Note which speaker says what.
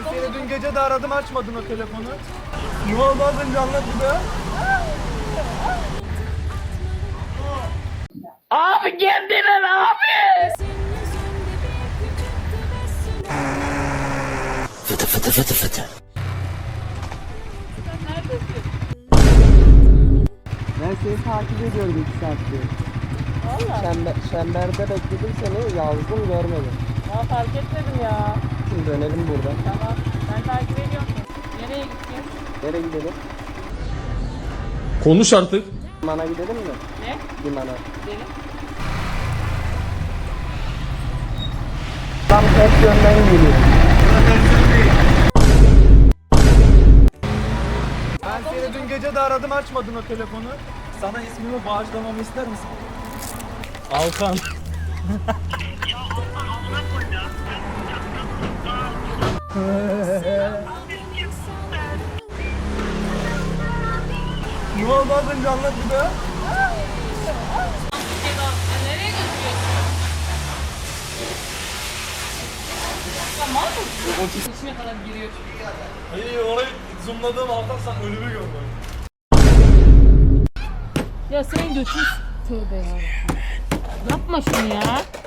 Speaker 1: Seni dün gece de aradım, açmadın o telefonu. Ne oldu az önce, anlat bir daha.
Speaker 2: Abi geldiler abi.
Speaker 3: Fıtı fıtı fıtı fıtı.
Speaker 4: Ben seni takip ediyorum 2 saattir.
Speaker 2: Valla.
Speaker 4: Çemberde bekledim seni, yazdım görmedim.
Speaker 2: Ya fark etmedim ya.
Speaker 4: Şimdi dönelim buradan.
Speaker 2: Tamam. Ben takip ediyorum. Nereye gideceğiz?
Speaker 4: Nereye gidelim?
Speaker 1: Konuş artık.
Speaker 4: Limana gidelim mi?
Speaker 2: Ne?
Speaker 4: Limana.
Speaker 2: Gidelim.
Speaker 4: Tam ters yönden geliyor.
Speaker 1: Ben seni dün gece de aradım, açmadın o telefonu. Sana ismimi bağışlamamı ister misin? Alkan. Ne oldu az önce, anlat bir daha.
Speaker 2: Nereye götürüyorsun? Tamam mı? İçine kadar giriyor çünkü.
Speaker 1: Hayır, orayı zoomladığım Alkan, sen ölümü gördün.
Speaker 2: Ya senin götün... Tövbe ya. Yapma şunu ya.